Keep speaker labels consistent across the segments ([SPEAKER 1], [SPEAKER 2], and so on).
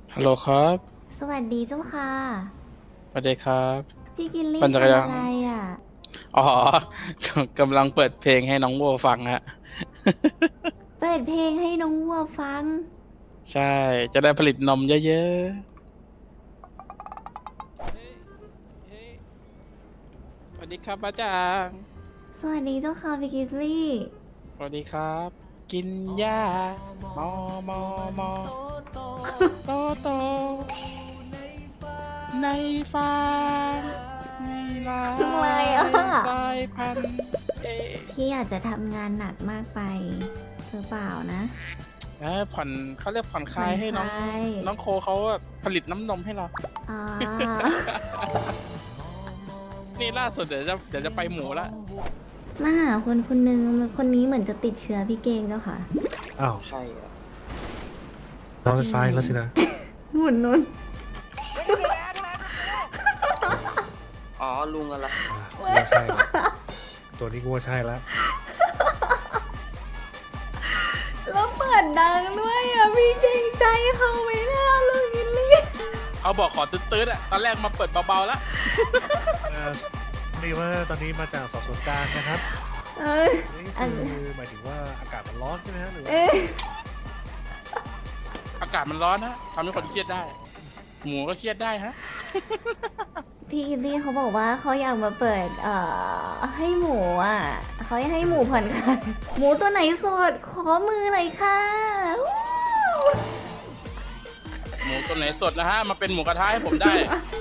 [SPEAKER 1] ฮัลโหลครับ
[SPEAKER 2] สวัสดีเจ้าค่ะ
[SPEAKER 1] สวัสดีครับ
[SPEAKER 2] พี่กินลี่
[SPEAKER 1] ปั่นจักรยาน
[SPEAKER 2] ทำอะไรอ่ะ
[SPEAKER 1] อ๋อกำลังเปิดเพลงให้น้องโบฟังฮะ
[SPEAKER 2] เปิดเพลงให้น้องวัวฟัง
[SPEAKER 1] ใช่ จะได้ผลิตนมเยอะๆสวัสดีครับป้าจาง
[SPEAKER 2] สวัสดีเจ้าค่ะพี่กิสลี่
[SPEAKER 1] สวัสดีครับ กินหญ้ามอมอมอโตโตในฟาร์มในลา
[SPEAKER 2] ทำไมอ่ะ
[SPEAKER 1] สายพันธุ์เอ
[SPEAKER 2] พี่อาจจะทำงานหนักมากไปหรือเปล่านะ
[SPEAKER 1] ผ่อนเขาเรียกผ่อนคลายให้น้อง
[SPEAKER 2] ผ่อนคลาย
[SPEAKER 1] น้องโคเขาผลิตน้ำนมให้เรา
[SPEAKER 2] อ่า
[SPEAKER 1] นี่ล่าสุดเดี๋ยวจะไปหมูละ
[SPEAKER 2] มาหาคนคนหนึ่งคนนี้เหมือนจะติดเชื้อพี่เกงเจ้าค่ะ
[SPEAKER 3] อ้าว
[SPEAKER 1] ใช่อะ
[SPEAKER 3] เราไฟฟ้าแล้วสินะ
[SPEAKER 2] หมุนนุ่น
[SPEAKER 4] อ๋อ ลุงอะไร
[SPEAKER 3] กูว่าใช่ละตัวนี้กูว่าใช่แล้ว
[SPEAKER 2] แล้วเปิดดังด้วยอ่ะพี่เกรงใจเขาไม่น่าเลยกินลี่
[SPEAKER 1] เขาบอกขอตื้ดๆอ่ะ ตอนแรกมาเปิดเบาๆแล้ว
[SPEAKER 3] นี่ว่าตอนนี้มาจากสอบสวนกลางนะครับ
[SPEAKER 2] เอ้ย
[SPEAKER 3] นี่คือหมายถึงว่าอากาศมันร้อนใช่ไหมฮะหรือว่า
[SPEAKER 2] เอ๊ะ
[SPEAKER 1] อากาศมันร้อนนะทำให้คนเครียดได้ หมูก็เครียดได้ฮะ
[SPEAKER 2] พี่กินลี่เขาบอกว่าเขาอยากมาเปิดให้หมูอ่ะเขาอยากให้หมูผ่อนคลายหมูตัวไหนสดขอมือหน่อยค่ะวู้
[SPEAKER 1] หมูตัวไหนสดนะฮะ มาเป็นหมูกระทะให้ผมได้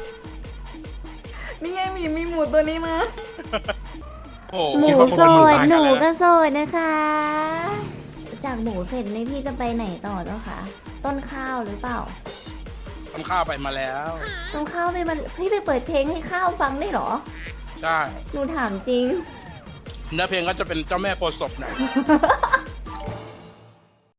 [SPEAKER 2] นี่ไงมีหมูตัวนี้มา
[SPEAKER 1] โอ้โห
[SPEAKER 2] หมู
[SPEAKER 1] คิว่า
[SPEAKER 2] ส
[SPEAKER 1] คน
[SPEAKER 2] ด
[SPEAKER 1] ตาย
[SPEAKER 2] ห
[SPEAKER 1] กั
[SPEAKER 2] นู
[SPEAKER 1] นแล้ว
[SPEAKER 2] ก็
[SPEAKER 1] นะ
[SPEAKER 2] สดนะคะ จากหมูเสร็จนี่พี่จะไปไหนต่อเจ้าคะต้นข้าวหรือเปล่า
[SPEAKER 1] ทำข้าวไปมาแล้ว
[SPEAKER 2] ต้นข้าวไปมันพี่ไปเปิดเพลงให้ข้าวฟังได้เหรอ
[SPEAKER 1] ใช่
[SPEAKER 2] หนูถามจริง
[SPEAKER 1] เนื้อเพลงก็จะเป็นเจ้าแม่โพธิ์ศพหน่อย